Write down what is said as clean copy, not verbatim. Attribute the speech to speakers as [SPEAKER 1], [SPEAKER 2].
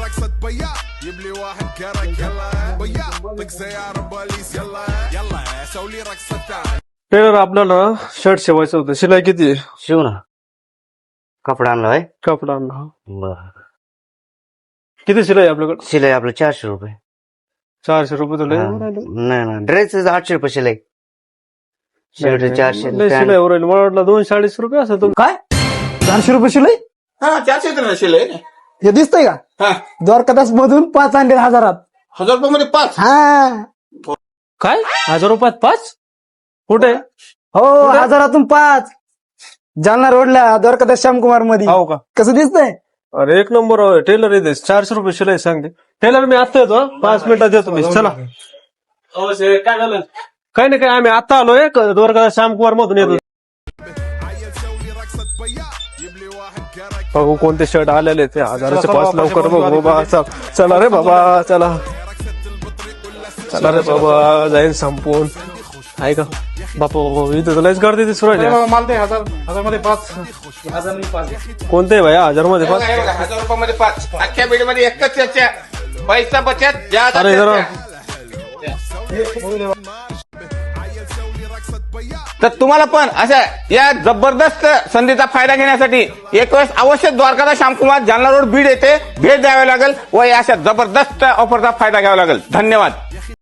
[SPEAKER 1] رقصة بيا جيب لي واحد كرك يلا بيا طق سيارة بوليس يلا يلا سوي لي رقصة ثانية.
[SPEAKER 2] Teller आपल्याला shirt शिवायचं होतं, शिलाई किती आहे?
[SPEAKER 3] शिव ना. कपडा आणला आहे.
[SPEAKER 2] कपडा आणला.
[SPEAKER 3] बर.
[SPEAKER 2] किती शिलाई आहे आपल्याकडे?
[SPEAKER 3] शिलाई आपलं 400 रुपये.
[SPEAKER 2] 400 रुपये तुला
[SPEAKER 3] नाही ना, ड्रेस 800 रुपये शिलाई. शर्ट 400.
[SPEAKER 2] शिलाई वर मला वाटलं 240 रुपये असं तुम्ही.
[SPEAKER 4] काय 400 रुपये शिलाई?
[SPEAKER 5] हा 400 तर शिले
[SPEAKER 4] हे दिसतंय का?
[SPEAKER 5] हा
[SPEAKER 4] द्वारकादास मधून 5 आणले 1000.
[SPEAKER 5] 1000 रुपये मध्ये 5.
[SPEAKER 4] हा
[SPEAKER 2] काय 1000 रुपयात 5? कुठे?
[SPEAKER 4] हो 1000तून 5 जालना रोडला द्वारकादास श्यामकुमार मध्ये.
[SPEAKER 2] हो का?
[SPEAKER 4] कसं दिसतंय?
[SPEAKER 2] अरे एक नंबर टेलर येते. 400 रुपये शिलाई सांगते टेलर. मी आता येतो 5 मिनिटात येतो मी. चला.
[SPEAKER 5] काय झालं?
[SPEAKER 2] काही नाही, काय आम्ही आता आलोय द्वारका श्यामकुमार मधून येतो.
[SPEAKER 1] عيل سوي لي رقصة بيا جيب لي واحد كرك
[SPEAKER 2] बघू कोणते शर्ट आलेले ते 1000चे 5 लवकर बघू बाबा. चला रे बाबा चला. चला रे बाबा जाईन संपून. आहे का बापू इथे तर लयच गर्दी दिसू राहिली.
[SPEAKER 5] मला ते 1000 मध्ये 5.
[SPEAKER 2] कोणते भाई 1000 मध्ये 5?
[SPEAKER 5] 1000 रुपयामध्ये 5. अख्ख्या बीड मध्ये एकच चर्चा. पैसा बचत ज्यादा
[SPEAKER 2] अरे जरा
[SPEAKER 5] तर तुम्हाला पण अशा या जबरदस्त संधीचा फायदा घेण्यासाठी एक वेळेस अवश्य द्वारकादास श्यामकुमार जालना रोड बीड येथे भेट द्यावी लागेल व या अशा जबरदस्त ऑफरचा फायदा घ्यावा लागेल. धन्यवाद.